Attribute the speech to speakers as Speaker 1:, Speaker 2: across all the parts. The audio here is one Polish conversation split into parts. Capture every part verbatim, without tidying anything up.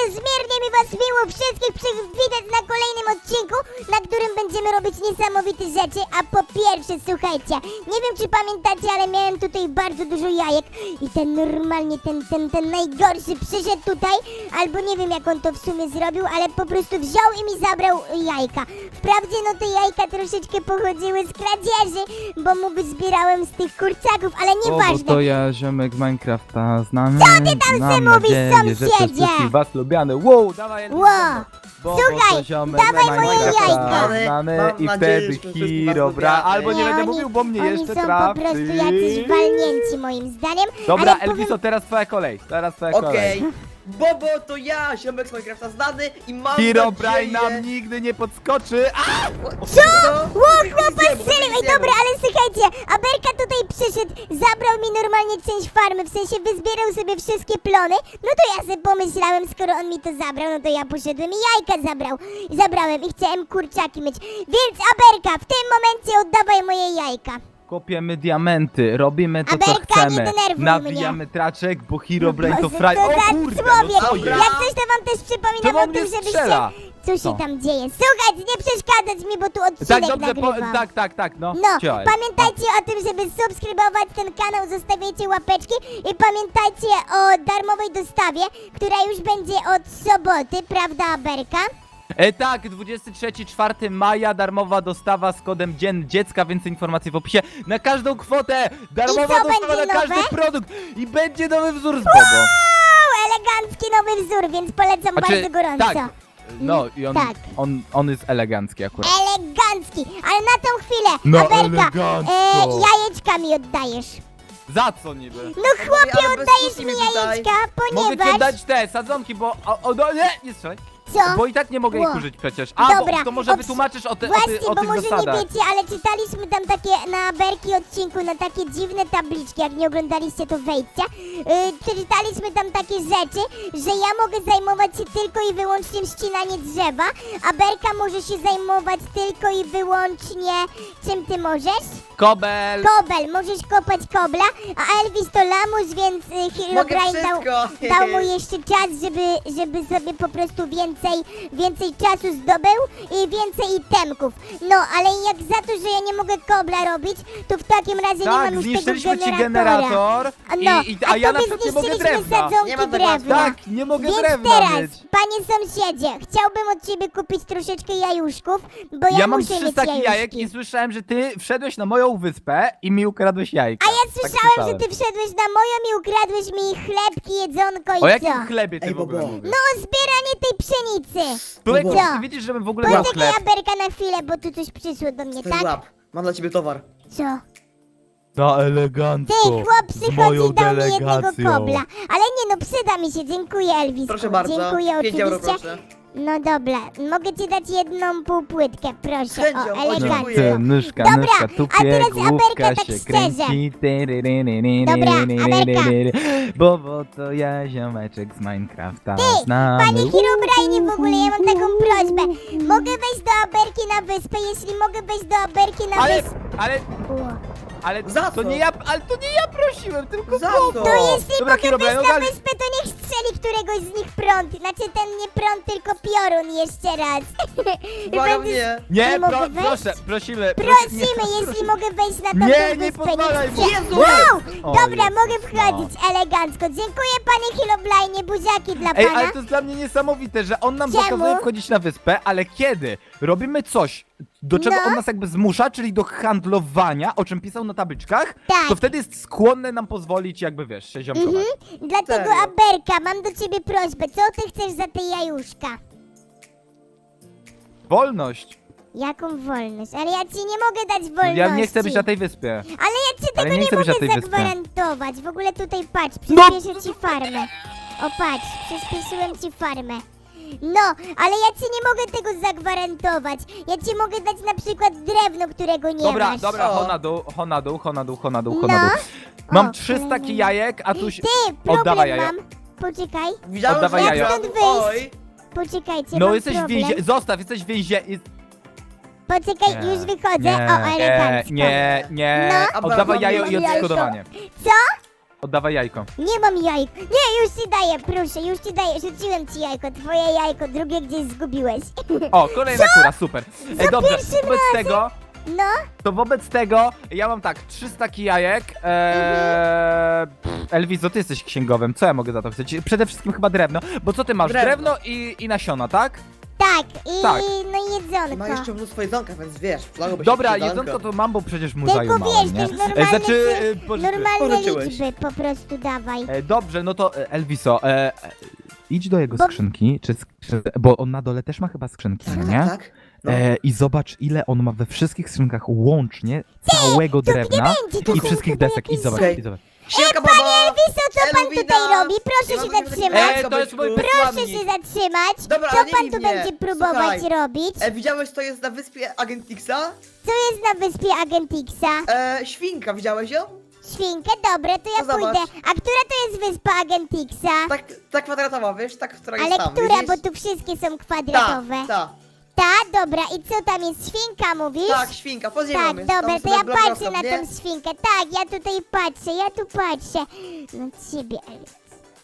Speaker 1: niezmiernie mi was miło wszystkich przywitać na kolejnym odcinku, na którym będziemy robić niesamowite rzeczy. A po pierwsze, słuchajcie, nie wiem czy pamiętacie, ale miałem tutaj bardzo dużo jajek i ten normalnie, ten, ten, ten najgorszy przyszedł tutaj, albo nie wiem jak on to w sumie zrobił, ale po prostu wziął i mi zabrał jajka. Wprawdzie no te jajka troszeczkę pochodziły z kradzieży, bo mu wyzbierałem z tych kurczaków, ale
Speaker 2: O, bo
Speaker 1: nieważne.
Speaker 2: to ja, ziomek z Minecrafta, znamy.
Speaker 1: Co ty tam
Speaker 2: Mam
Speaker 1: se mówisz,
Speaker 2: nadzieję, że to
Speaker 1: sąsiedzie?
Speaker 2: wszystkich was lubiany. Wow, dawaj Elvis,
Speaker 1: Ło,
Speaker 2: bo, bo
Speaker 1: słuchaj,
Speaker 2: to ziomek
Speaker 1: dawaj
Speaker 2: z
Speaker 1: moje
Speaker 2: Minecrafta
Speaker 1: jajka.
Speaker 2: Znamy
Speaker 3: Mam
Speaker 2: i
Speaker 3: nadzieję,
Speaker 2: wtedy
Speaker 3: że wszystkich was
Speaker 2: Hirobra,
Speaker 3: lubiamy.
Speaker 2: albo nie,
Speaker 1: Nie,
Speaker 2: będę
Speaker 1: oni-
Speaker 2: mówił, bo mnie
Speaker 1: Oni
Speaker 2: jeszcze
Speaker 1: są
Speaker 2: trafi.
Speaker 1: po prostu jacyś walnięci moim zdaniem.
Speaker 2: Dobra,
Speaker 1: ale
Speaker 2: Elviso,
Speaker 1: powiem...
Speaker 2: teraz twoja kolej, teraz twoja kolej.
Speaker 3: Okej. Bobo to ja, ziomek z Minecrafta znany i mam
Speaker 2: Herobrine
Speaker 3: nadzieję...
Speaker 2: nam nigdy nie podskoczy. A!
Speaker 3: Co?
Speaker 1: Ło, chłopak strzelił! Ej, dobra, ale słuchajcie, Aberka tutaj przyszedł, zabrał mi normalnie część farmy, w sensie wyzbierał sobie wszystkie plony. No to ja sobie pomyślałem, skoro on mi to zabrał, no to ja poszedłem i jajka zabrał. Zabrałem i chciałem kurczaki mieć. Więc Aberka, w tym momencie oddawaj moje jajka.
Speaker 2: Kopiemy diamenty, robimy to co
Speaker 1: Aberka, nie
Speaker 2: chcemy.
Speaker 1: denerwuj
Speaker 2: Nawijamy traczek, bo Herobrine to
Speaker 1: Boże,
Speaker 2: fraj...
Speaker 1: to
Speaker 2: O
Speaker 1: za
Speaker 2: kurde,
Speaker 1: człowiek.
Speaker 2: no co jest?
Speaker 1: Jak coś to wam też przypominam
Speaker 2: Czemu
Speaker 1: o
Speaker 2: on
Speaker 1: tym,
Speaker 2: mnie
Speaker 1: żebyście...
Speaker 2: strzela?
Speaker 1: Co się
Speaker 2: Co?
Speaker 1: tam dzieje? Słuchajcie, nie przeszkadzać mi, bo tu odcinek
Speaker 2: Tak, dobrze, po,
Speaker 1: nagrywam.
Speaker 2: tak, tak, tak, no.
Speaker 1: No,
Speaker 2: Działaj.
Speaker 1: pamiętajcie o tym, żeby subskrybować ten kanał, zostawiajcie łapeczki i pamiętajcie o darmowej dostawie, która już będzie od soboty, prawda, Aberka?
Speaker 2: E, tak, dwudziestego trzeciego czwartego maja darmowa dostawa z kodem Dzień Dziecka, więcej informacji w opisie. Na każdą kwotę darmowa
Speaker 1: I co
Speaker 2: dostawa
Speaker 1: będzie
Speaker 2: na każdy
Speaker 1: nowe?
Speaker 2: produkt i będzie nowy wzór z Bobo.
Speaker 1: O, elegancki nowy wzór, więc polecam
Speaker 2: Znaczy,
Speaker 1: bardzo gorąco.
Speaker 2: tak, no i on,
Speaker 1: Tak.
Speaker 2: on, on jest elegancki akurat.
Speaker 1: Elegancki, ale na tą chwilę,
Speaker 2: No,
Speaker 1: Aberka,
Speaker 2: elegancko.
Speaker 1: e, jajeczka mi oddajesz.
Speaker 2: Za co niby?
Speaker 1: No chłopie,
Speaker 3: ale bez
Speaker 1: oddajesz
Speaker 3: kuchni
Speaker 1: mi
Speaker 3: mi tutaj.
Speaker 1: jajeczka,
Speaker 2: Mogę ci
Speaker 1: ponieważ...
Speaker 2: dać te sadzonki, bo... O, o, no, nie, nie strzelaj.
Speaker 1: Co?
Speaker 2: Bo i tak nie mogę ich
Speaker 1: Ło.
Speaker 2: użyć przecież. A,
Speaker 1: Dobra,
Speaker 2: bo to może
Speaker 1: obs-
Speaker 2: wytłumaczysz o, ty, o,
Speaker 1: Właśnie,
Speaker 2: ty, o
Speaker 1: bo
Speaker 2: tych
Speaker 1: może
Speaker 2: zasadach.
Speaker 1: nie wiecie, ale czytaliśmy tam takie na Berki odcinku, na takie dziwne tabliczki, jak nie oglądaliście to wejdźcie. Yy, przeczytaliśmy tam takie rzeczy, że ja mogę zajmować się tylko i wyłącznie ścinanie drzewa, a Berka może się zajmować tylko i wyłącznie... Czym ty możesz?
Speaker 2: Kobel!
Speaker 1: Kobel, możesz kopać kobla, a Elvis to lamus, więc y,
Speaker 3: Mogę
Speaker 1: Herobrine dał,
Speaker 3: wszystko.
Speaker 1: dał mu jeszcze czas, żeby, żeby sobie po prostu więcej, więcej czasu zdobył i więcej itemków. No, ale jak za to, że ja nie mogę kobla robić, to w takim razie nie mam
Speaker 2: Tak,
Speaker 1: już tego
Speaker 2: zniszczyliśmy ci
Speaker 1: generatora.
Speaker 2: generator
Speaker 1: A no,
Speaker 2: i, i,
Speaker 1: a
Speaker 2: a ja na
Speaker 1: tobie
Speaker 2: przykład nie mogę
Speaker 1: zniszczyliśmy
Speaker 2: drewna.
Speaker 1: sadzonki
Speaker 3: Nie ma tego
Speaker 1: drewna.
Speaker 2: Tak, nie mogę
Speaker 1: Więc
Speaker 2: drewna
Speaker 1: teraz,
Speaker 2: mieć.
Speaker 1: panie sąsiedzie, chciałbym od ciebie kupić troszeczkę jajuszków, bo ja,
Speaker 2: Ja mam
Speaker 1: muszę
Speaker 2: trzy
Speaker 1: mieć
Speaker 2: staki
Speaker 1: jajuszki.
Speaker 2: jajek i słyszałem, że ty wszedłeś na moją wyspę i mi ukradłeś jajka.
Speaker 1: A ja
Speaker 2: Tak
Speaker 1: słyszałem, że ty wszedłeś na moją i ukradłeś mi chlebki, jedzonko i
Speaker 2: O
Speaker 1: co?
Speaker 2: jakim chlebie ty
Speaker 3: Ej,
Speaker 2: w ogóle
Speaker 3: Bobo.
Speaker 2: mówisz?
Speaker 1: No o zbieranie tej pszenicy.
Speaker 2: Człowieku,
Speaker 1: Co?
Speaker 2: ty widzisz, żebym w ogóle miał
Speaker 1: Poczekaj,
Speaker 2: chleb?
Speaker 1: Aberka, na chwilę, bo tu coś przyszło do mnie,
Speaker 3: Ten
Speaker 1: tak?
Speaker 3: łap. Mam dla ciebie towar.
Speaker 1: Co?
Speaker 2: To elegancko.
Speaker 1: Ty, chłop przychodzi i dał mi jednego kobla. Ale nie no, przyda mi się, dziękuję Elvisku.
Speaker 3: Proszę bardzo.
Speaker 1: Dziękuję
Speaker 3: pięć euro
Speaker 1: oczywiście.
Speaker 3: proszę.
Speaker 1: No dobra, mogę ci dać jedną półpłytkę, proszę.
Speaker 3: chęcią,
Speaker 1: O,
Speaker 3: o,
Speaker 1: elegancko.
Speaker 3: dziękuję.
Speaker 2: Ty, nóżka,
Speaker 1: Dobra,
Speaker 2: nóżka,
Speaker 1: a
Speaker 2: tupie,
Speaker 1: teraz
Speaker 2: główka
Speaker 1: Aberka tak
Speaker 2: się
Speaker 1: szczerze.
Speaker 2: kręci.
Speaker 1: Dobra, Aberka.
Speaker 2: Bo, bo to ja, ziomeczek z Minecrafta,
Speaker 1: Ty,
Speaker 2: znamy.
Speaker 1: Panie Herobrine, w ogóle ja mam taką prośbę. Mogę wejść do Aberki na wyspę, jeśli mogę wejść do Aberki na
Speaker 2: Ale,
Speaker 1: wyspę.
Speaker 2: ale,
Speaker 1: O.
Speaker 2: ale
Speaker 3: Za
Speaker 2: to
Speaker 3: co?
Speaker 2: nie ja, ale to nie ja prosiłem, tylko
Speaker 3: Za
Speaker 2: Bobo.
Speaker 3: co?
Speaker 1: To jeśli
Speaker 2: Dobra,
Speaker 1: mogę
Speaker 2: Herobrine,
Speaker 1: wejść na
Speaker 2: ogarnij-
Speaker 1: wyspę, to niech strzeli któregoś z nich prąd. Znaczy ten nie prąd, tylko piorun jeszcze raz. I
Speaker 3: Błagam
Speaker 1: będę-
Speaker 3: nie.
Speaker 2: Nie,
Speaker 1: Nie
Speaker 2: pro,
Speaker 1: mogę wejść?
Speaker 2: proszę, prosimy.
Speaker 1: Prosimy, jeśli mogę wejść na tamtą
Speaker 2: Nie, nie
Speaker 1: wyspę.
Speaker 2: pozwalaj mu.
Speaker 1: chcę.
Speaker 3: Jezu!
Speaker 1: Wow!
Speaker 2: O,
Speaker 1: Dobra,
Speaker 2: Jezus,
Speaker 1: mogę wchodzić elegancko. Dziękuję panie Herobrine, buziaki dla
Speaker 2: Ej,
Speaker 1: pana.
Speaker 2: ale to jest dla mnie niesamowite, że on nam
Speaker 1: Czemu?
Speaker 2: zakazuje wchodzić na wyspę, ale kiedy robimy coś, do czego
Speaker 1: No.
Speaker 2: on nas jakby zmusza, czyli do handlowania, o czym pisał na tabliczkach,
Speaker 1: Tak.
Speaker 2: to wtedy jest skłonny nam pozwolić jakby, wiesz, się ziomkować.
Speaker 1: Mhm. Dlatego
Speaker 3: Serio?
Speaker 1: Aberka, mam do ciebie prośbę. Co ty chcesz za te jajuszka?
Speaker 2: Wolność.
Speaker 1: Jaką wolność? Ale ja ci nie mogę dać wolności.
Speaker 2: Ja nie chcę być na tej wyspie.
Speaker 1: Ale ja ci
Speaker 2: Ale
Speaker 1: tego
Speaker 2: nie
Speaker 1: nie,
Speaker 2: chcę być na
Speaker 1: mogę
Speaker 2: tej wyspie.
Speaker 1: zagwarantować. W ogóle tutaj patrz,
Speaker 2: No!
Speaker 1: przyspieszę ci farmę. O patrz, przyspieszyłem ci farmę. No, ale ja ci nie mogę tego zagwarantować. Ja ci mogę dać na przykład drewno, którego nie
Speaker 2: Dobra,
Speaker 1: masz.
Speaker 2: dobra,
Speaker 3: O.
Speaker 2: ho na dół, ho na dół, ho na dół, ho na dół, ho
Speaker 1: No.
Speaker 2: na dół. Mam
Speaker 1: O,
Speaker 2: trzy
Speaker 1: kurde.
Speaker 2: staki jajek, a tu się...
Speaker 1: Ty, problem
Speaker 2: Oddawaj jajo.
Speaker 1: mam. Poczekaj,
Speaker 3: Widziałem,
Speaker 2: Oddawaj
Speaker 3: że
Speaker 2: jajo.
Speaker 3: ukradł-
Speaker 1: Jak stąd
Speaker 3: Oj.
Speaker 1: poczekajcie,
Speaker 2: No
Speaker 1: mam
Speaker 2: jesteś w
Speaker 1: problem.
Speaker 2: więzie... Zostaw, jesteś w więzie...
Speaker 1: Poczekaj,
Speaker 2: Nie,
Speaker 1: już wychodzę.
Speaker 2: Nie,
Speaker 1: o,
Speaker 2: nie,
Speaker 1: elegancko.
Speaker 2: nie, nie.
Speaker 1: No.
Speaker 2: Oddawaj
Speaker 3: Mam
Speaker 2: jajo i
Speaker 3: jajko.
Speaker 2: odszkodowanie.
Speaker 1: Co?
Speaker 2: Oddawaj jajko.
Speaker 1: Nie mam jajek. Nie, już ci daję, proszę, już ci daję. Rzuciłem ci jajko, twoje jajko, drugie gdzieś zgubiłeś.
Speaker 2: O, kolejna kura, super. E, dobrze,
Speaker 1: pierwszym
Speaker 2: wobec tego,
Speaker 1: No,
Speaker 2: to wobec tego ja mam tak, trzy staki jajek. Eee, pff, Elviso, ty jesteś księgowym, co ja mogę za to chcieć? Przede wszystkim chyba drewno, bo co ty masz?
Speaker 3: Drewno.
Speaker 2: Drewno i, i nasiona, tak?
Speaker 1: tak, i
Speaker 2: Tak.
Speaker 1: no i jedzonko.
Speaker 3: Ma jeszcze mnóstwo jedzonka, więc wiesz, przydałoby się
Speaker 2: Dobra,
Speaker 3: jedzonko.
Speaker 2: jedzonko to mam, bo przecież mu
Speaker 1: Tylko
Speaker 2: zajumałem,
Speaker 1: wiesz,
Speaker 2: nie?
Speaker 1: też normalne,
Speaker 2: znaczy,
Speaker 1: cy-
Speaker 2: e, pożyczy-
Speaker 1: normalne
Speaker 3: pożyczyłeś.
Speaker 1: liczby po prostu dawaj.
Speaker 2: E, dobrze, no to e, Elviso, e, e, idź do jego
Speaker 1: Bo-
Speaker 2: skrzynki, czy skrzy... bo on na dole też ma chyba skrzynki,
Speaker 3: Tak,
Speaker 2: no
Speaker 3: tak,
Speaker 2: nie?
Speaker 3: tak. No.
Speaker 2: E, I zobacz, ile on ma we wszystkich skrzynkach łącznie całego
Speaker 1: to nie
Speaker 2: drewna
Speaker 1: będzie, to
Speaker 2: i
Speaker 1: są
Speaker 2: wszystkich
Speaker 1: chyba
Speaker 2: desek. I
Speaker 1: jakieś-
Speaker 2: zobacz,
Speaker 3: Okej.
Speaker 2: i zobacz.
Speaker 3: Siemka, baba!
Speaker 1: Elviso, co pan
Speaker 3: Elwina!
Speaker 1: tutaj robi? Proszę
Speaker 3: Ja
Speaker 1: się
Speaker 3: mam do ciebie
Speaker 1: zatrzymać.
Speaker 3: takie
Speaker 2: E, to jest mój
Speaker 3: Proszę
Speaker 1: Proszę
Speaker 2: wysłannik.
Speaker 1: się zatrzymać.
Speaker 3: Dobra,
Speaker 1: Co
Speaker 3: ale nie
Speaker 1: pan
Speaker 3: bij
Speaker 1: tu
Speaker 3: mnie.
Speaker 1: będzie próbować
Speaker 3: Słuchaj.
Speaker 1: robić?
Speaker 3: E, widziałeś, to jest na wyspie Agentixa?
Speaker 1: Co jest na wyspie Agentixa?
Speaker 3: E, świnka, widziałeś ją?
Speaker 1: Świnkę? Dobra, to ja
Speaker 3: No zobacz.
Speaker 1: pójdę. A która to jest wyspa Agentixa?
Speaker 3: Tak, ta kwadratowa, wiesz? Tak, która jest
Speaker 1: Ale
Speaker 3: tam,
Speaker 1: która,
Speaker 3: widzisz?
Speaker 1: bo tu wszystkie są
Speaker 3: Ta,
Speaker 1: kwadratowe.
Speaker 3: ta.
Speaker 1: Ta, dobra, i co tam jest? Świnka mówisz?
Speaker 3: Tak, świnka, pod ziemią
Speaker 1: Tak,
Speaker 3: jest. tam
Speaker 1: dobra, to
Speaker 3: sobie
Speaker 1: ja
Speaker 3: blok
Speaker 1: patrzę na
Speaker 3: rosną, nie?
Speaker 1: tą świnkę. Tak, ja tutaj patrzę, ja tu patrzę. Na ciebie, Elvis.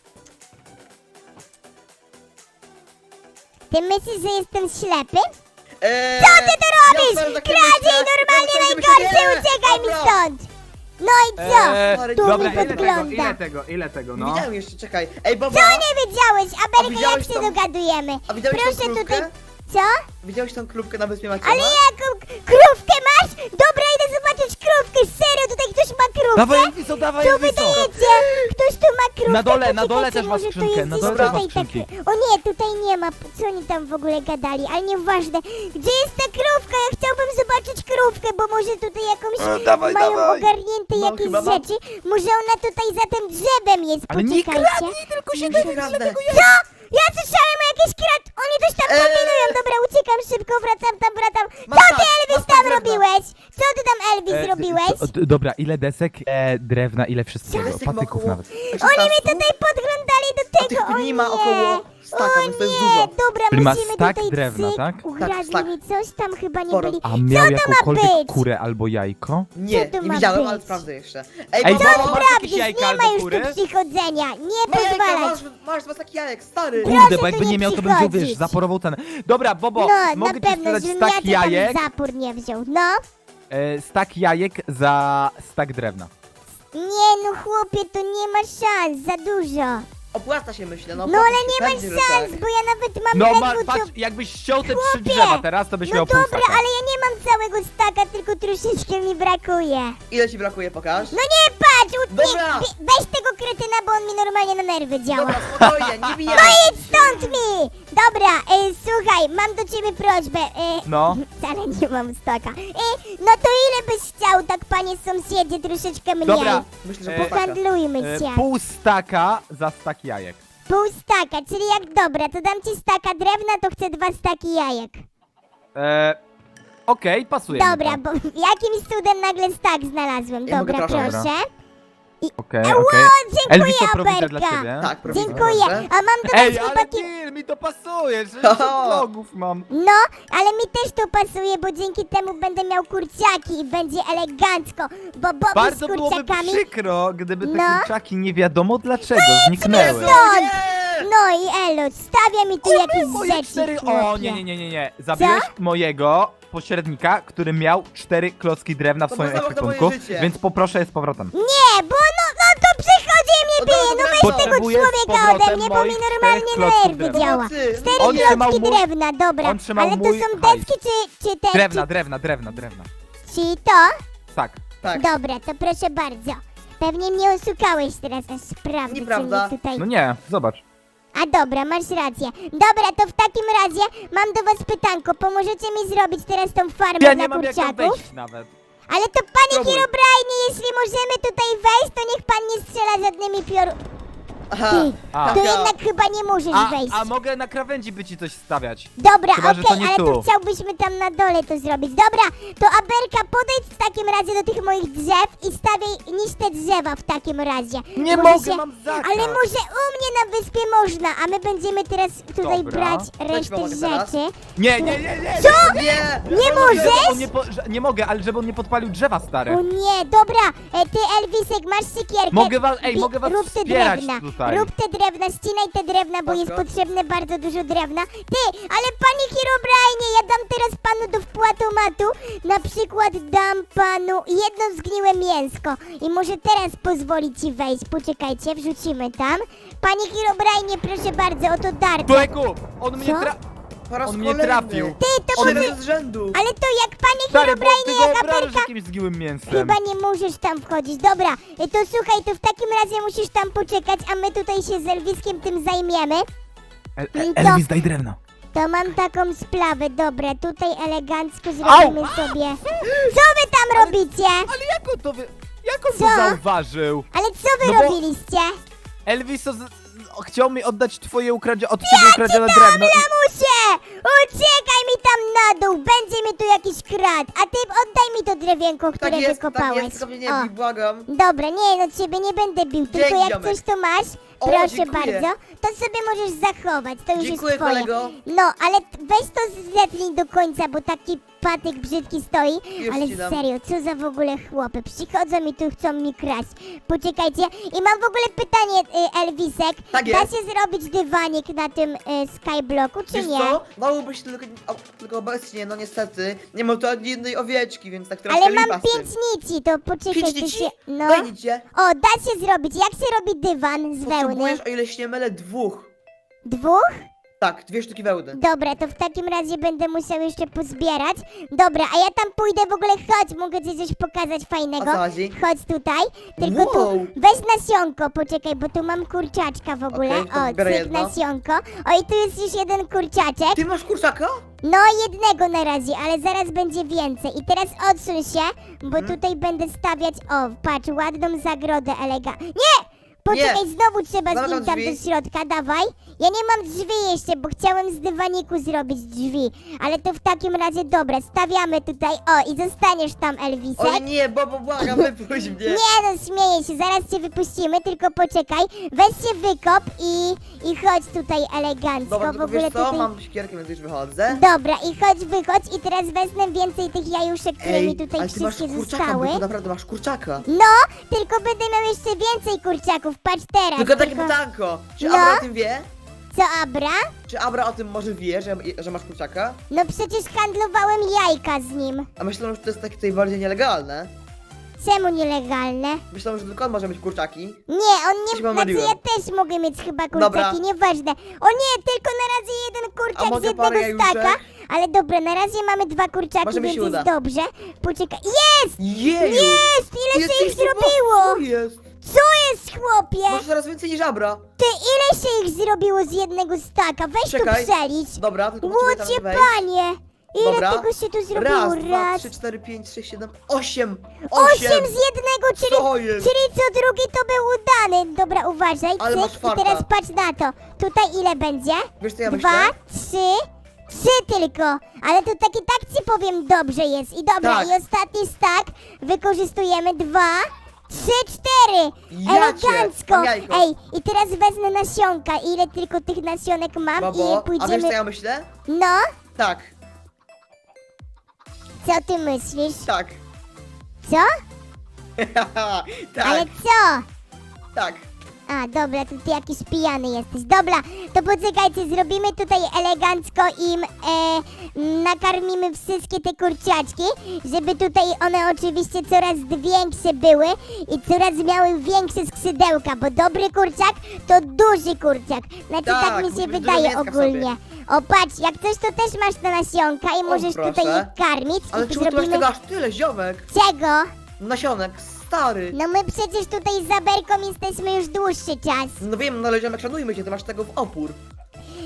Speaker 1: Ty myślisz, że jestem ślepy?
Speaker 3: Eee,
Speaker 1: Co ty tu robisz?
Speaker 3: ja wcale tak nie
Speaker 1: Kradziej,
Speaker 3: myślę.
Speaker 1: normalnie
Speaker 3: Ja wcale
Speaker 1: najgorszy,
Speaker 3: nie myślę.
Speaker 1: uciekaj mi
Speaker 3: Dobra.
Speaker 1: stąd! No i co?
Speaker 2: E,
Speaker 1: Tu
Speaker 2: dobra,
Speaker 1: mi
Speaker 2: ile tego,
Speaker 1: podgląda.
Speaker 2: ile tego, ile tego, no?
Speaker 3: Widziałem jeszcze, czekaj. Ej, baba,
Speaker 1: Co nie wiedziałeś? Ameryka, jak
Speaker 3: widziałeś
Speaker 1: się
Speaker 3: tą-
Speaker 1: dogadujemy?
Speaker 3: a widziałeś tą
Speaker 1: Proszę
Speaker 3: krówkę?
Speaker 1: tutaj... Co?
Speaker 3: Widziałeś tą krówkę na wyspie Maciana?
Speaker 1: Ale jaką krówkę masz? Dobra, idę zobaczyć krówkę, serio, tutaj ktoś ma krówkę?
Speaker 2: Dawaj Elviso, dawaj
Speaker 1: Co
Speaker 2: Elviso!
Speaker 1: wydajecie? Ktoś tu ma krówkę?
Speaker 2: Na dole,
Speaker 1: To
Speaker 2: na dole
Speaker 1: czekajcie,
Speaker 2: też masz
Speaker 1: może to
Speaker 2: skrzynkę,
Speaker 1: jest
Speaker 2: na
Speaker 1: gdzieś
Speaker 2: dole też masz
Speaker 1: tutaj tak-
Speaker 2: skrzynki.
Speaker 1: O nie, tutaj nie ma, co oni tam w ogóle gadali, ale nieważne. Gdzie jest ta krówka? Ja chciałbym zobaczyć krówkę, bo może tutaj jakąś
Speaker 2: E, dawaj,
Speaker 1: mają
Speaker 2: dawaj.
Speaker 1: ogarnięte
Speaker 3: No,
Speaker 1: jakieś
Speaker 3: chyba mam.
Speaker 1: rzeczy. Może ona tutaj za tym drzewem jest,
Speaker 2: Ale nie
Speaker 1: poczekajcie.
Speaker 2: kradnij, tylko się
Speaker 3: Nie kradnę.
Speaker 1: Co? Ja słyszałem o jakieś krat... Oni coś tam
Speaker 3: Eee.
Speaker 1: kombinują. Dobra, uciekam szybko, wracam tam, wracam.
Speaker 3: Masz
Speaker 1: Co
Speaker 3: tak,
Speaker 1: ty, Elvis,
Speaker 3: masz tak
Speaker 1: tam
Speaker 3: drewna.
Speaker 1: robiłeś? Co ty tam, Elvis,
Speaker 2: E,
Speaker 1: robiłeś?
Speaker 2: to- to- Dobra, ile desek, e, drewna, ile wszystkiego,
Speaker 3: Desek ma
Speaker 2: patyków
Speaker 3: około
Speaker 2: nawet.
Speaker 1: Oni mi tutaj podglądali do
Speaker 3: A
Speaker 1: tego,
Speaker 3: tych
Speaker 1: o
Speaker 3: dni
Speaker 1: nie.
Speaker 3: ma około staka,
Speaker 1: o
Speaker 3: więc to jest
Speaker 1: nie,
Speaker 3: dużo.
Speaker 1: dobra,
Speaker 2: Czyli ma
Speaker 1: musimy
Speaker 2: stak
Speaker 1: tutaj
Speaker 2: drewna,
Speaker 1: cyk,
Speaker 2: tak?
Speaker 1: ukradli
Speaker 3: Tak,
Speaker 1: mi coś tam chyba nie
Speaker 3: Sporo.
Speaker 1: byli.
Speaker 2: A miał
Speaker 1: to ma
Speaker 2: jakąkolwiek
Speaker 1: być?
Speaker 2: kurę albo jajko?
Speaker 3: Nie,
Speaker 1: Co to
Speaker 3: nie
Speaker 1: ma
Speaker 3: widziałem,
Speaker 1: być?
Speaker 3: ale sprawdzę jeszcze. Ej,
Speaker 2: Ej,
Speaker 3: baba,
Speaker 2: baba,
Speaker 1: Co
Speaker 2: masz
Speaker 1: ty
Speaker 2: jakieś
Speaker 1: robisz?
Speaker 2: jajka
Speaker 1: Nie
Speaker 2: albo
Speaker 1: ma już
Speaker 2: kury?
Speaker 1: tu przychodzenia, nie
Speaker 3: ma jajka,
Speaker 1: pozwalać.
Speaker 3: masz, masz dwa takie jajek, stary.
Speaker 1: Proszę
Speaker 2: Kurde, bo
Speaker 1: tu
Speaker 2: jakby
Speaker 1: nie
Speaker 2: nie miał, to bym wziął, wiesz,
Speaker 1: przychodzić.
Speaker 2: zaporową cenę. Dobra, Bobo,
Speaker 1: No,
Speaker 2: mogę
Speaker 1: na
Speaker 2: ci
Speaker 1: pewno,
Speaker 2: sprzedać
Speaker 1: żebym
Speaker 2: stak
Speaker 1: ja to tam
Speaker 2: jajek,
Speaker 1: zapór nie wziął. No.
Speaker 2: e, stak jajek za stak drewna.
Speaker 1: Nie no chłopie, to nie ma szans, za dużo.
Speaker 3: Opłaca się, myślę, no
Speaker 1: No
Speaker 3: opłaca
Speaker 1: ale
Speaker 3: się,
Speaker 1: nie ma
Speaker 3: pewnie, że
Speaker 1: szans,
Speaker 3: tak.
Speaker 1: bo ja nawet mam
Speaker 2: No ma,
Speaker 1: ledwo co...
Speaker 2: patrz, jakbyś ściął te trzy
Speaker 1: Chłopie!
Speaker 2: drzewa teraz, to byś
Speaker 1: No
Speaker 2: miał pół
Speaker 1: dobra,
Speaker 2: staka.
Speaker 1: ale ja nie mam całego staka, tylko troszeczkę mi brakuje.
Speaker 3: Ile ci brakuje, pokaż?
Speaker 1: No nie patrz, u... nie,
Speaker 3: Dobra.
Speaker 1: we- weź tego kretyna, bo on mi normalnie na nerwy działa.
Speaker 3: Dobra, spokojnie, nie bijemy.
Speaker 1: No idź stąd mi! Dobra, e, słuchaj, mam do ciebie prośbę. E,
Speaker 2: No.
Speaker 1: Wcale nie mam staka. E, no to ile byś chciał, tak panie sąsiedzie, troszeczkę mniej?
Speaker 2: Dobra,
Speaker 3: Myślę, że
Speaker 2: E,
Speaker 3: pół staka.
Speaker 1: Handlujmy
Speaker 2: e,
Speaker 1: się.
Speaker 2: pół staka za stak jajek.
Speaker 1: Pół staka, czyli jak dobra, to dam ci staka drewna, to chcę dwa staki jajek.
Speaker 2: E, Okej, pasuje mi
Speaker 1: Dobra,
Speaker 2: to.
Speaker 1: bo jakimś cudem nagle stak znalazłem.
Speaker 3: Ja mogę
Speaker 1: Dobra,
Speaker 3: proszę.
Speaker 1: proszę.
Speaker 2: Okej,
Speaker 1: Ło,
Speaker 2: okej.
Speaker 1: dziękuję,
Speaker 2: Elviso, prowizja dla
Speaker 1: Aberka.
Speaker 2: ciebie.
Speaker 3: Tak, prowizja,
Speaker 1: Dziękuję.
Speaker 3: proszę.
Speaker 1: A mam do was
Speaker 2: Ej, ale
Speaker 1: chłopaki...
Speaker 2: deal, mi to pasuje, sześćdziesiąt vlogów mam.
Speaker 1: No, ale mi też to pasuje, bo dzięki temu będę miał kurczaki i będzie elegancko, bo Bobby z
Speaker 2: Bardzo byłoby
Speaker 1: kurczakami...
Speaker 2: przykro, gdyby te
Speaker 1: No.
Speaker 2: kurczaki nie wiadomo dlaczego zniknęły.
Speaker 1: stąd!
Speaker 3: Nie!
Speaker 1: No i Elo, stawia mi tu jakieś
Speaker 2: Moje
Speaker 1: rzeczy,
Speaker 2: cztery... O,
Speaker 1: chłopie.
Speaker 2: nie, nie, nie, nie, nie. Zabiłeś mojego pośrednika, który miał cztery klocki drewna w
Speaker 3: To
Speaker 2: swoim
Speaker 3: było zamach na moje
Speaker 2: ekwipunku,
Speaker 3: życie.
Speaker 2: więc poproszę je z powrotem.
Speaker 1: Nie, bo no, no to przychodzi i mnie
Speaker 3: No
Speaker 1: bije,
Speaker 3: dobra,
Speaker 1: no
Speaker 3: dobra,
Speaker 1: weź tego
Speaker 2: Potrzebuję z
Speaker 1: człowieka ode
Speaker 2: powrotem
Speaker 1: mnie, bo mi
Speaker 2: moich
Speaker 1: normalnie
Speaker 2: czterech klocków
Speaker 1: nerwy
Speaker 2: drewna.
Speaker 1: działa.
Speaker 3: Pomocy.
Speaker 1: Cztery
Speaker 2: On trzymał
Speaker 1: klocki
Speaker 2: mój-
Speaker 1: drewna, dobra,
Speaker 2: on trzymał
Speaker 1: ale to
Speaker 2: mój
Speaker 1: są
Speaker 2: hajs.
Speaker 1: deski czy, czy te...
Speaker 2: Drewna,
Speaker 1: czy,
Speaker 2: drewna, drewna, drewna.
Speaker 1: czy to?
Speaker 2: Tak.
Speaker 3: Tak.
Speaker 1: Dobra, to proszę bardzo. Pewnie mnie oszukałeś teraz, aż sprawdzę, co
Speaker 3: Nieprawda.
Speaker 1: mi tutaj...
Speaker 2: No nie, zobacz.
Speaker 1: A dobra, masz rację. Dobra, to w takim razie mam do was pytanko. Pomożecie mi zrobić teraz tą farmę
Speaker 2: Ja
Speaker 1: dla
Speaker 2: nie mam jak tam
Speaker 1: kurczaków?
Speaker 2: wejść nawet.
Speaker 1: Ale to panie
Speaker 3: Spróbuj.
Speaker 1: Herobrine, jeśli możemy tutaj wejść, to niech pan nie strzela żadnymi pior...
Speaker 3: Aha.
Speaker 1: Ty,
Speaker 2: A.
Speaker 1: to jednak chyba nie możesz
Speaker 2: A,
Speaker 1: wejść.
Speaker 2: a mogę na krawędzi by ci coś stawiać.
Speaker 1: Dobra,
Speaker 2: Chyba, że to
Speaker 1: okej,
Speaker 2: nie
Speaker 1: ale
Speaker 2: tu.
Speaker 1: to chciałbyśmy tam na dole to zrobić. Dobra, to Aberka, podejdź w takim razie do tych moich drzew i stawiaj, niż te drzewa w takim razie.
Speaker 2: Nie
Speaker 1: Może
Speaker 2: mogę, mam zakaz.
Speaker 1: Ale może u mnie na wyspie można, a my będziemy teraz tutaj
Speaker 2: Dobra.
Speaker 1: brać
Speaker 3: ci
Speaker 1: resztę
Speaker 3: pomogę teraz.
Speaker 1: rzeczy.
Speaker 2: Nie, nie, nie, nie.
Speaker 1: Co?
Speaker 3: Nie!
Speaker 1: Nie
Speaker 2: Żeby
Speaker 1: możesz?
Speaker 2: on nie, po, że, nie mogę, ale żeby on nie podpalił drzewa, stary.
Speaker 1: O nie, dobra, e, ty Elwisek, masz siekierkę.
Speaker 2: Mogę was- ej,
Speaker 1: Bi-
Speaker 2: mogę was
Speaker 1: Rób te
Speaker 2: wspierać
Speaker 1: drewna,
Speaker 2: tutaj.
Speaker 1: rób te drewna, ścinaj te drewna, bo jest
Speaker 3: Spoko.
Speaker 1: potrzebne bardzo dużo drewna. Ty, ale panie Herobrine, ja dam teraz panu do wpłatomatu, na przykład dam panu jedno zgniłe mięsko i może teraz pozwoli ci wejść. Poczekajcie, wrzucimy tam. Panie Herobrine, proszę bardzo, oto darka.
Speaker 2: Człowieku, on mnie
Speaker 1: Co?
Speaker 2: tra...
Speaker 3: Po raz
Speaker 2: On mnie
Speaker 3: kolejny.
Speaker 2: trafił.
Speaker 1: Ty, to
Speaker 3: Trzy
Speaker 1: może...
Speaker 3: razy z rzędu.
Speaker 1: Ale to jak panie
Speaker 2: Stary, bo ty
Speaker 1: Herobrine,
Speaker 2: go
Speaker 1: jak
Speaker 2: obrażasz
Speaker 1: Aberka...
Speaker 2: jakimś zgiłym mięsem.
Speaker 1: Chyba nie możesz tam wchodzić. Dobra, y, to słuchaj, to w takim razie musisz tam poczekać, a my tutaj się z Elwiskiem tym zajmiemy.
Speaker 2: El,
Speaker 1: I
Speaker 2: El,
Speaker 1: to-
Speaker 2: Elvis, daj drewno.
Speaker 1: To mam taką sprawę, dobra, tutaj elegancko zrobimy
Speaker 2: Au!
Speaker 1: sobie. Co wy tam robicie?
Speaker 2: Ale jak on to wy... Jak on
Speaker 1: Co?
Speaker 2: to zauważył?
Speaker 1: Ale co wy
Speaker 2: No bo-
Speaker 1: robiliście?
Speaker 2: Elvis o, z- chciał mi oddać twoje ukradzie... od ciebie ukradzione drewno. i-
Speaker 1: Lamusie! Uciekaj mi tam na dół, będzie mi tu jakiś krat, a ty oddaj mi to drewienko, które
Speaker 3: Tak jest,
Speaker 1: wykopałeś.
Speaker 3: tak jest, tylko mnie nie
Speaker 1: O.
Speaker 3: bij, błagam.
Speaker 1: Dobra, nie, no ciebie nie będę bił, tylko
Speaker 3: Dzięki,
Speaker 1: jak
Speaker 3: ziomek.
Speaker 1: coś tu masz,
Speaker 3: O,
Speaker 1: proszę
Speaker 3: dziękuję.
Speaker 1: bardzo, to sobie możesz zachować, to już
Speaker 3: Dziękuję,
Speaker 1: jest twoje.
Speaker 3: kolego.
Speaker 1: No, ale t- weź to zetnij do końca, bo taki patyk brzydki stoi,
Speaker 3: Już
Speaker 1: ale
Speaker 3: ci dam.
Speaker 1: serio, co za w ogóle chłopy, przychodzą i tu chcą mi kraść. Poczekajcie, i mam w ogóle pytanie, y, Elwisek,
Speaker 3: Tak
Speaker 1: da
Speaker 3: jest.
Speaker 1: się zrobić dywanik na tym y, skyblocku, czy
Speaker 3: Wiesz
Speaker 1: nie?
Speaker 3: co? Dałoby się tylko, o, tylko obecnie, no niestety, nie mam tu ani jednej owieczki, więc tak troszkę
Speaker 1: Ale mam
Speaker 3: lipa z tym.
Speaker 1: pięć nici, to poczekaj,
Speaker 3: Pięć
Speaker 1: to
Speaker 3: nici?
Speaker 1: się... No.
Speaker 3: Daj nicie.
Speaker 1: O, da się zrobić, jak się robi dywan z wełny?
Speaker 3: Potrzebujesz, o ile się nie mylę, dwóch.
Speaker 1: Dwóch?
Speaker 3: Tak, dwie sztuki wełny.
Speaker 1: Dobra, to w takim razie będę musiał jeszcze pozbierać. Dobra, a ja tam pójdę w ogóle, chodź, mogę ci coś pokazać fajnego.
Speaker 3: O co chodzi?
Speaker 1: Chodź tutaj, tylko tu
Speaker 3: Wow.
Speaker 1: weź nasionko, poczekaj, bo tu mam kurczaczka w ogóle.
Speaker 3: Okej, to
Speaker 1: O,
Speaker 3: biorę
Speaker 1: cyk,
Speaker 3: jedno.
Speaker 1: nasionko. O, i tu jest już jeden kurczaczek.
Speaker 3: Ty masz kurczaka?
Speaker 1: No, jednego na razie, ale zaraz będzie więcej. I teraz odsuń się, bo
Speaker 3: Mhm.
Speaker 1: tutaj będę stawiać, o, patrz, ładną zagrodę elega. Nie! Poczekaj,
Speaker 3: Nie.
Speaker 1: znowu trzeba z
Speaker 3: Zamykam
Speaker 1: nim tam
Speaker 3: drzwi.
Speaker 1: do środka, dawaj. Ja nie mam drzwi jeszcze, bo chciałem z dywaniku zrobić drzwi. Ale to w takim razie, dobra, stawiamy tutaj, o, i zostaniesz tam, Elwisek.
Speaker 3: Oj nie, bo, bo błagam, wypuść mnie.
Speaker 1: Nie no, śmieję się, zaraz cię wypuścimy, tylko poczekaj. Weź się wykop i, i chodź tutaj elegancko.
Speaker 3: Dobra,
Speaker 1: w
Speaker 3: tylko
Speaker 1: ogóle
Speaker 3: wiesz co,
Speaker 1: tutaj...
Speaker 3: mam siekierkę, więc już wychodzę.
Speaker 1: Dobra, i chodź, wychodź i teraz wezmę więcej tych jajuszek, które mi tutaj
Speaker 3: ale ty masz
Speaker 1: wszystkie
Speaker 3: kurczaka,
Speaker 1: zostały.
Speaker 3: bo ty naprawdę masz kurczaka.
Speaker 1: No, tylko będę miał jeszcze więcej kurczaków, patrz teraz.
Speaker 3: Tylko takie pytanko, czy
Speaker 1: No.
Speaker 3: Abra o tym wie?
Speaker 1: Co, Abra?
Speaker 3: Czy Abra o tym może wie, że, że masz kurczaka?
Speaker 1: No przecież handlowałem jajka z nim.
Speaker 3: A myślę, że to jest takie tutaj bardziej nielegalne.
Speaker 1: Czemu nielegalne?
Speaker 3: Myślę, że tylko on może mieć kurczaki.
Speaker 1: Nie, on
Speaker 3: Coś
Speaker 1: nie... Znaczy
Speaker 3: pomyliłem.
Speaker 1: ja też mogę mieć chyba kurczaki,
Speaker 3: Dobra.
Speaker 1: nieważne. O nie, tylko na razie jeden
Speaker 3: A
Speaker 1: kurczak z
Speaker 3: mogę parę
Speaker 1: jednego staka.
Speaker 3: jajuszek?
Speaker 1: Ale dobra, na razie mamy dwa kurczaki,
Speaker 3: Może mi
Speaker 1: więc
Speaker 3: się
Speaker 1: jest
Speaker 3: uda.
Speaker 1: dobrze. Poczekaj. Jest!
Speaker 3: Jeju!
Speaker 1: Jest! Ile się ich
Speaker 3: Jesteś
Speaker 1: zrobiło?
Speaker 3: Co jest?
Speaker 1: Co jest, chłopie?
Speaker 3: Masz coraz więcej niż Abra.
Speaker 1: Ty, ile się ich zrobiło z jednego staka? Weź
Speaker 3: Czekaj.
Speaker 1: tu przelicz.
Speaker 3: Dobra, tylko potrzebuję tam
Speaker 1: Łocie
Speaker 3: wejść.
Speaker 1: panie! Ile
Speaker 3: Dobra.
Speaker 1: tego się tu zrobiło?
Speaker 3: Raz, dwa, trzy, cztery, pięć, sześć, siedem, osiem!
Speaker 1: Osiem z jednego, czyli,
Speaker 3: Co jest?
Speaker 1: czyli co drugi to był udany. Dobra, uważaj,
Speaker 3: Ale masz
Speaker 1: cyk. I
Speaker 3: farta.
Speaker 1: teraz patrz na to. Tutaj ile będzie?
Speaker 3: Wiesz co ja
Speaker 1: Dwa,
Speaker 3: myślę?
Speaker 1: trzy, trzy tylko. Ale to taki tak ci powiem dobrze jest. I dobra,
Speaker 3: Tak.
Speaker 1: i ostatni stak wykorzystujemy. Dwa, trzy, cztery.
Speaker 3: Ja cię,
Speaker 1: Elegancko.
Speaker 3: mam jajko.
Speaker 1: Ej, i teraz wezmę nasionka. Ile tylko tych nasionek mam
Speaker 3: Babo,
Speaker 1: i
Speaker 3: a wiesz
Speaker 1: pójdziemy...
Speaker 3: co ja myślę?
Speaker 1: No,
Speaker 3: Tak,
Speaker 1: co ty myślisz?
Speaker 3: tak.
Speaker 1: Co?
Speaker 3: tak,
Speaker 1: Ale co?
Speaker 3: tak.
Speaker 1: A, dobra, to ty jakiś pijany jesteś. Dobra, to poczekajcie, zrobimy tutaj elegancko im, e, nakarmimy wszystkie te kurczaczki, żeby tutaj one oczywiście coraz większe były i coraz miały większe skrzydełka, bo dobry kurczak to duży kurczak. Znaczy tak,
Speaker 3: Tak,
Speaker 1: mi
Speaker 3: musi
Speaker 1: się
Speaker 3: być
Speaker 1: wydaje
Speaker 3: dużo mięska w
Speaker 1: ogólnie. O, patrz, jak coś to też masz te nasionka i możesz
Speaker 3: proszę.
Speaker 1: tutaj je karmić
Speaker 3: Ale
Speaker 1: i
Speaker 3: czemu ty masz
Speaker 1: zrobimy...
Speaker 3: tego aż tyle, ziomek?
Speaker 1: Czego?
Speaker 3: Nasionek, stary.
Speaker 1: No my przecież tutaj z Aberką jesteśmy już dłuższy czas.
Speaker 3: No wiem, no ale ziomek, szanujmy cię, ty masz tego w opór.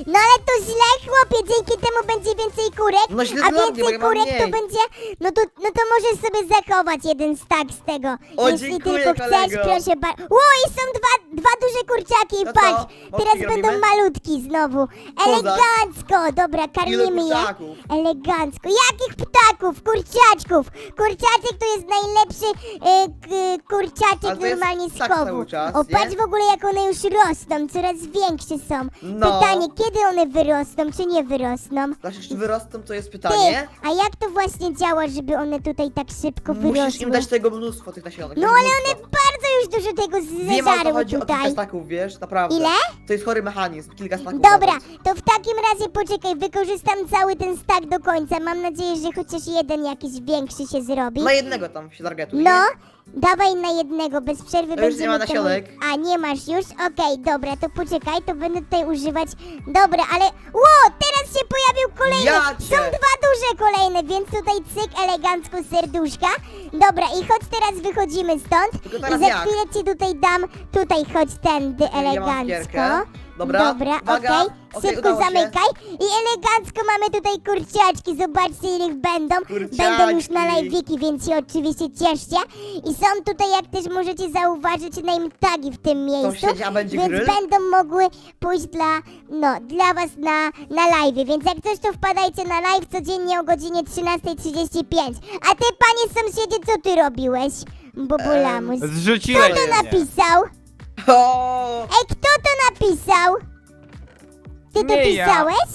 Speaker 1: No ale to źle, chłopie, dzięki temu będzie więcej kurek,
Speaker 3: No źle
Speaker 1: a
Speaker 3: dla mnie, bo
Speaker 1: więcej
Speaker 3: ja mam
Speaker 1: kurek to
Speaker 3: mniej.
Speaker 1: będzie, no to, no to możesz sobie zachować jeden stack z tego.
Speaker 3: O,
Speaker 1: Jeśli
Speaker 3: dziękuję,
Speaker 1: tylko chcesz,
Speaker 3: kolego.
Speaker 1: proszę bardzo. Ło, i są dwa, dwa duże kurczaki,
Speaker 3: To co?
Speaker 1: patrz, teraz
Speaker 3: Mopki
Speaker 1: będą
Speaker 3: robimy?
Speaker 1: malutki znowu. Elegancko, dobra,
Speaker 3: Ile
Speaker 1: karmimy je.
Speaker 3: kurczaków?
Speaker 1: Elegancko. Jakich ptaków? Kurczaczków. Kurczaczek to jest najlepszy e, k, kurczaczek
Speaker 3: Ale to jest
Speaker 1: normalnie z
Speaker 3: tak
Speaker 1: chowu.
Speaker 3: cały czas,
Speaker 1: O,
Speaker 3: nie?
Speaker 1: patrz w ogóle jak one już rosną, coraz większe są.
Speaker 3: No.
Speaker 1: Pytanie, kiedy one wyrosną, czy nie wyrosną?
Speaker 3: Znaczy, czy wyrosną, to jest
Speaker 1: Ty,
Speaker 3: pytanie.
Speaker 1: a jak to właśnie działa, żeby one tutaj tak szybko
Speaker 3: Musisz
Speaker 1: wyrosły?
Speaker 3: im dać tego mnóstwo, tych nasionek.
Speaker 1: No
Speaker 3: tego
Speaker 1: ale one
Speaker 3: mnóstwo.
Speaker 1: bardzo już dużo tego
Speaker 3: Wiem, ale to
Speaker 1: zeżarły
Speaker 3: chodzi o kilka
Speaker 1: tutaj.
Speaker 3: staków, wiesz, naprawdę.
Speaker 1: Ile?
Speaker 3: To jest chory mechanizm, kilka staków.
Speaker 1: Dobra,
Speaker 3: nawet.
Speaker 1: to w takim razie poczekaj, wykorzystam cały ten stack do końca. Mam nadzieję, że chociaż jeden jakiś większy się zrobi.
Speaker 3: Na jednego tam się targetuj.
Speaker 1: No, dawaj na jednego, bez przerwy
Speaker 3: To już nie ma
Speaker 1: będziemy temu-
Speaker 3: nasionek.
Speaker 1: A, nie masz już? Okej, dobra, to poczekaj, to będę tutaj używać. Dobra, ale... Ło, teraz się pojawił kolejny!
Speaker 3: Ja
Speaker 1: Są
Speaker 3: cię.
Speaker 1: dwa duże kolejne, więc tutaj cyk, elegancko serduszka. Dobra, i chodź teraz wychodzimy stąd.
Speaker 3: Tylko
Speaker 1: I
Speaker 3: teraz
Speaker 1: za
Speaker 3: jak?
Speaker 1: chwilę ci tutaj dam, tutaj chodź tędy
Speaker 3: Ja mam
Speaker 1: elegancko.
Speaker 3: gierkę. Dobra,
Speaker 1: Dobra,
Speaker 3: uwaga.
Speaker 1: okej.
Speaker 3: Okej,
Speaker 1: Szybko
Speaker 3: udało się.
Speaker 1: zamykaj. I elegancko mamy tutaj kurciaczki. Zobaczcie, ile ich będą.
Speaker 3: Kurciaczki.
Speaker 1: Będą już na live'iki, więc się oczywiście cieszcie. I są tutaj, jak też możecie zauważyć, name tagi w tym miejscu.
Speaker 3: Sąsiedzi, a będzie
Speaker 1: Więc
Speaker 3: grill?
Speaker 1: będą mogły pójść dla, no, dla was na, na live'ie. Więc jak coś, to wpadajcie na live codziennie o godzinie trzynasta trzydzieści pięć. A ty, panie sąsiedzie, co ty robiłeś? Bobulamus. Kto
Speaker 2: Zrzuciłeś
Speaker 1: to
Speaker 2: mnie.
Speaker 1: napisał?
Speaker 3: O,
Speaker 1: Ej, kto to napisał? Ty to
Speaker 2: Nie ja.
Speaker 1: pisałeś?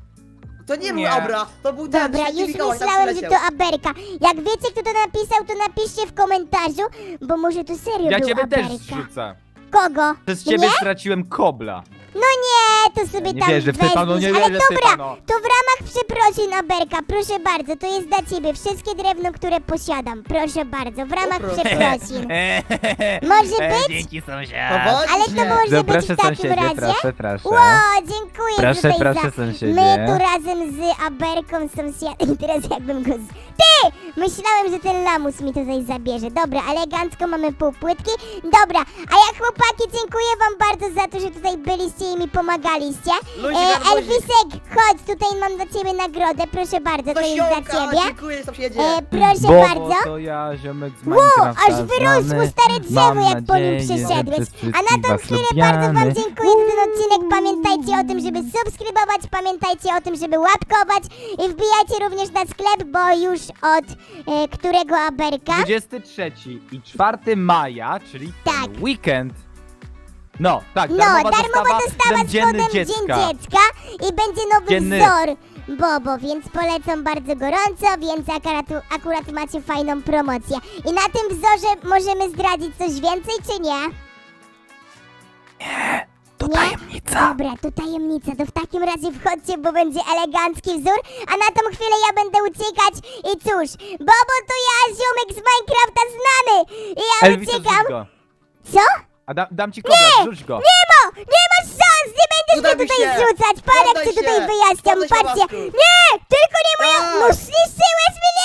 Speaker 3: to nie był
Speaker 2: Nie.
Speaker 3: Abra, to był ten
Speaker 1: Dobra,
Speaker 3: święty
Speaker 1: już
Speaker 3: Mikołaj, tam
Speaker 1: myślałem, że
Speaker 3: przyleciał.
Speaker 1: to Aberka. Jak wiecie, kto to napisał, to napiszcie w komentarzu, bo może to serio
Speaker 2: Ja
Speaker 1: był
Speaker 2: ciebie też
Speaker 1: Aberka.
Speaker 2: zrzucę.
Speaker 1: Kogo?
Speaker 2: Przez ciebie
Speaker 1: Mnie?
Speaker 2: straciłem kobla.
Speaker 1: No nie, to sobie
Speaker 2: Nie
Speaker 1: tam
Speaker 2: wierzę w typa, no nie
Speaker 1: weźmiesz. Ale
Speaker 2: wierzę w
Speaker 1: dobra,
Speaker 2: typa, no.
Speaker 1: to w ramach przeprosin Aberka, proszę bardzo, to jest dla ciebie wszystkie drewno, które posiadam. Proszę bardzo, w ramach
Speaker 3: proszę.
Speaker 1: przeprosin. Może
Speaker 2: E,
Speaker 1: być?
Speaker 2: Dzięki
Speaker 3: To
Speaker 2: sąsiad.
Speaker 1: Ale to
Speaker 3: właśnie.
Speaker 1: może
Speaker 2: No
Speaker 1: być
Speaker 2: proszę
Speaker 1: w takim
Speaker 2: sąsiedzie,
Speaker 1: razie.
Speaker 2: proszę, proszę.
Speaker 1: Ło, dziękuję
Speaker 2: Proszę,
Speaker 1: tutaj
Speaker 2: proszę,
Speaker 1: za...
Speaker 2: sąsiedzie.
Speaker 1: My tu razem z Aberką sąsiadem, teraz jakbym go z... Ty! Myślałem, że ten lamus mi tutaj zabierze. Dobra, elegancko mamy pół płytki. Dobra, a ja chłopaki dziękuję wam bardzo za to, że tutaj byliście i mi pomagaliście.
Speaker 3: Luzik,
Speaker 1: E,
Speaker 3: garbuzik.
Speaker 1: Elwisek, chodź, tutaj mam dla ciebie nagrodę, proszę bardzo, to jest dla
Speaker 3: Nasionka,
Speaker 1: ciebie.
Speaker 3: dziękuję sąsiedzie.
Speaker 1: E, proszę
Speaker 2: Bobo,
Speaker 1: bardzo.
Speaker 2: to ja, ziomek z
Speaker 1: Ło,
Speaker 2: Minecrafta
Speaker 1: aż wyrosło
Speaker 2: znany.
Speaker 1: stare drzewo,
Speaker 2: Mam
Speaker 1: jak po nim
Speaker 2: nadzieję, że
Speaker 1: przeszedłeś.
Speaker 2: przez
Speaker 1: A na
Speaker 2: wszystkich
Speaker 1: tą
Speaker 2: was
Speaker 1: chwilę bardzo wam
Speaker 2: lubiamy.
Speaker 1: dziękuję za ten odcinek. Pamiętajcie o tym, żeby subskrybować, pamiętajcie o tym, żeby łapkować i wbijajcie również na sklep, bo już od e, którego Aberka?
Speaker 2: dwudziestego trzeciego i czwartego maja, czyli ten
Speaker 1: Tak.
Speaker 2: weekend. No, tak,
Speaker 1: No,
Speaker 2: darmowa,
Speaker 1: darmowa dostawa
Speaker 2: ten
Speaker 1: z
Speaker 2: dzienny
Speaker 1: kodem Dzień
Speaker 2: dziecka.
Speaker 1: Dziecka i będzie nowy
Speaker 2: Dzienny.
Speaker 1: wzór Bobo, więc polecam bardzo gorąco, więc akurat, akurat macie fajną promocję. I na tym wzorze możemy zdradzić coś więcej, czy nie?
Speaker 2: To
Speaker 1: Nie?
Speaker 2: tajemnica.
Speaker 1: Dobra, to tajemnica, to w takim razie wchodźcie, bo będzie elegancki wzór, a na tą chwilę ja będę uciekać i cóż, Bobo to ja, ziomek z Minecrafta znany i ja
Speaker 2: Elvis,
Speaker 1: uciekam.
Speaker 2: rzuć go.
Speaker 1: Co?
Speaker 2: A da, dam ci kobra, rzuć go.
Speaker 1: Nie ma, nie masz szans, nie będziesz
Speaker 3: Uda
Speaker 1: mnie
Speaker 3: mi
Speaker 1: tutaj
Speaker 3: się.
Speaker 1: zrzucać, parę
Speaker 3: Poddaj
Speaker 1: cię tutaj
Speaker 3: się.
Speaker 1: wyjaśniam,
Speaker 3: Poddaj się,
Speaker 1: patrzcie.
Speaker 3: łasku.
Speaker 1: Nie, tylko nie moja,
Speaker 3: Tak.
Speaker 1: no zniszczyłeś mnie,